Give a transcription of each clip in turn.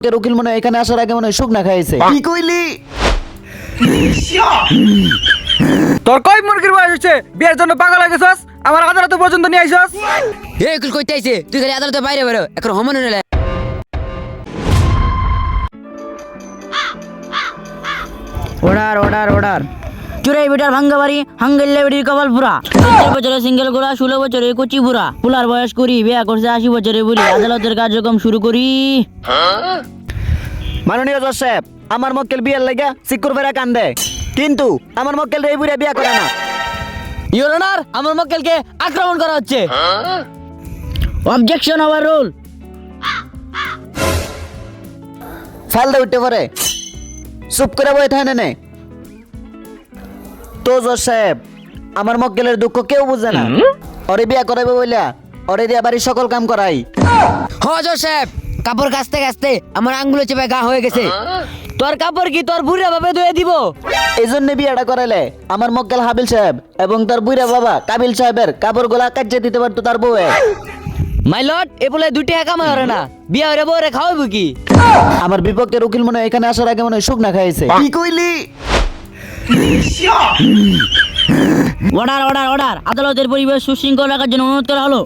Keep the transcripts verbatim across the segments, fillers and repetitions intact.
উকিল মনে হয় এখানে আসার আগে মনে হয় শুকনা খাইছে। কি কইলি? তোর কয় মুরগির বয়স হচ্ছে বিয়ের জন্য পাগল হয়ে গেছস? আমার আদালত পর্যন্ত নিয়ে আইছস? এ উকিল কইতে আইছে তুই খালি আদালতের বাইরে বেরো এখন হমন হলে অর্ডার অর্ডার অর্ডার চুরাই বেটার ভাঙ্গা বাড়ি হাঙ্গেল্লে বেটির কপাল পুরা সত্তর বছরে সিঙ্গেল গোড়া ষোলো বছরে কচি বুড়া পুলার বয়স করি বিয়া করছে আশি বছরে বুড়ি আদালতের কার্যক্রম শুরু করি। মাননীয় জজ সাহেব, আমার মক্কেল বিয়ের লাগা সিকুর বেড়া কান্দে, কিন্তু আমার মক্কেল এই বুড়া বিয়া করে না। ইওর অনার আমার মক্কেলকে আক্রমণ করা হচ্ছে। Objection over rule. ফালদা উঠতে পারে, চুপ করে বই থাকে নে। তো জজ সাহেব, আমার মক্কেলের দুঃখ কেউ বুঝে না। ওরে বিয়া করাবে বইলা ওরে দিয়া বাড়ির সকল কাম করাই। হ জোসেফ, কাপড় কাচতে কাচতে আমার আঙ্গুলে চেপে গা হয়ে গেছে। তোর কাপড় কি তোর বুড়া ভাবে ধুয়ে দিব? এই জন্য বিয়াটা করাইলে আমার মক্কেল হাবিল সাহেব এবং তার বুড়া বাবা কাবিল সাহেবের কাপড় গোলা কাটিয়ে দিতে পারতো তার বউয়ে। মাই লর্ড, এ বলে দুটি টাকা কামাই হরে না, বিয়া হরে বউরে খাওয়াবো কি? আমার বিপক্ষের উকিল মনে হয় এখানে আসার আগে মনে হয় শুকনা খাইছে। কি কইলি? অর্ডার অর্ডার অর্ডার আদালতের পরিবেশ সুশৃঙ্খল রাখার জন্য অনুরোধ করা হলো।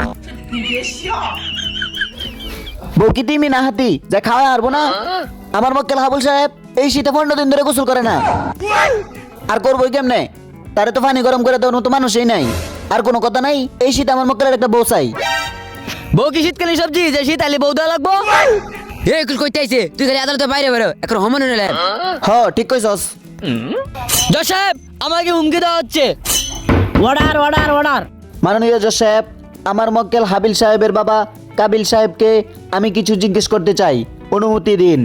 বউ কি তিমি না হাতি যা খাওয়া হারবো না? আমার মক্কেল হাবুল সাহেব এই শীতে পনেরো দিন ধরে গোসল করে না, আর করবোই কেমনে? তারে তো পানি গরম করে দেওয়ার মতো মানুষই নাই। আর কোনো কথা নাই, এই শীতে আমার মক্কেলের একটা বউ চাই। বউ কি শীতকালীন সবজি যে শীত আইলে বউ দেওয়া লাগবো? এ উকিল কইতে আইছে তুই খালি আদালতের বাইরে বেরো এখন হমন হলে। হ ঠিক কইছস। জোসেফ, আমাকে হুমকি দেওয়া হচ্ছে। অর্ডার অর্ডার অর্ডার মাননীয় জজ সাহেব, আমার মক্কেল হাবিল সাহেবের বাবা কাবিল সাহেবকে আমি কিছু জিজ্ঞেস করতে চাই, অনুমতি দিন।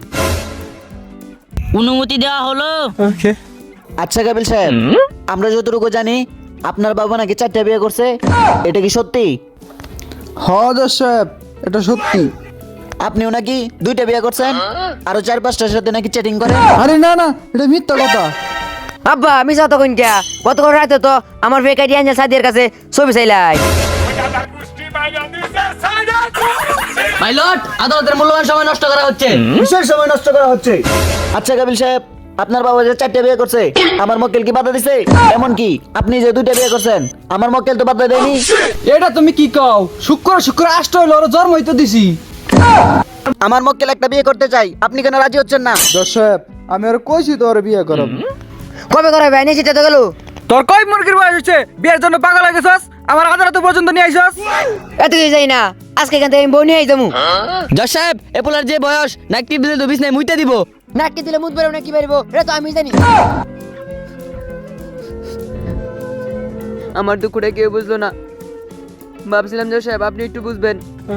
অনুমতি দেওয়া হলো। আচ্ছা কাবিল সাহেব, আমরা যতটুকু জানি আপনার বাবা নাকি চারটা বিয়ে করছে, এটা কি সত্যি? হ্যাঁ জজ সাহেব, এটা সত্যি। আপনিও নাকি দুইটা বিয়ে করছেন, আরো চার পাঁচটার সাথে নাকি চ্যাটিং করেন? আরে না না, এটা মিথ্যা কথা। আব্বা আমি যাও তখন কে গতকাল রাতে তো আমার বেকারি আঞ্জা সাদিয়ার কাছে ছবি চাইলাই। মাই লর্ড, আদালতের মূল্যবান সময় নষ্ট করা হচ্ছে। বিশেষ সময় নষ্ট করা হচ্ছে। আচ্ছা কাবিল সাহেব, আপনার বাবা যে চারটা বিয়ে করছে আমার মক্কেল কি বাধা দিছে? এমন কি আপনি যে দুইটা বিয়ে করছেন আমার মক্কেল তো বাধা দেয়নি? এটা তুমি কি কও? শুক্র শুক্র আষ্ট হইলো ওর জন্ম হইতে দিছি। আমার মক্কেল একটা বিয়ে করতে চাই, আপনি কেন রাজি হচ্ছেন না? জজ সাহেব, আমি আর কইছি তো ওর বিয়ে করব। কবে করাবে? আইনে সেটা তো গেল। তোর কয় মুরগির বয়স হচ্ছে বিয়ের জন্য পাগল হয়ে গেছস? আমার আদালত পর্যন্ত নিয়ে আইছস? এত কিছু যাই না, আজকে এখান থেকে আমি বউ নিয়ে যাবো। জজ সাহেব, এ পোলার যে বয়স নাকটি দিলে তো বিছনায় মুইতে দিব। নাকটি দিলে মুত বেরো না কি বেরবো এটা তো আমি জানি। আমার দুঃখটা কেউ বুঝলো না, ভাবছিলাম জজ সাহেব আপনি একটু বুঝবেন।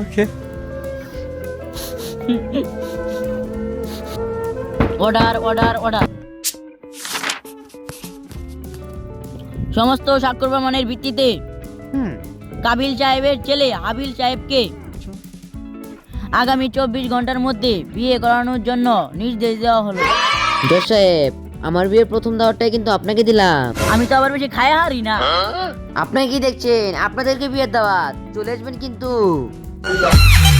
অর্ডার অর্ডার অর্ডার সমস্ত স্বাক্ষর প্রমাণের ভিত্তিতে কাবিল সাহেবের ছেলে হাবিল সাহেবকে আগামী চব্বিশ ঘন্টার মধ্যে বিয়ে করানোর জন্য নির্দেশ দেওয়া হলো। জজ সাহেব, আমার বিয়ের প্রথম দাওয়াতটাই কিন্তু আপনাকে দিলাম। আমি তো আবার বেশি খায় হারি না। আপনাকে কি দেখছেন? আপনাদেরকে বিয়ের দাওয়াত, চলে আসবেন কিন্তু।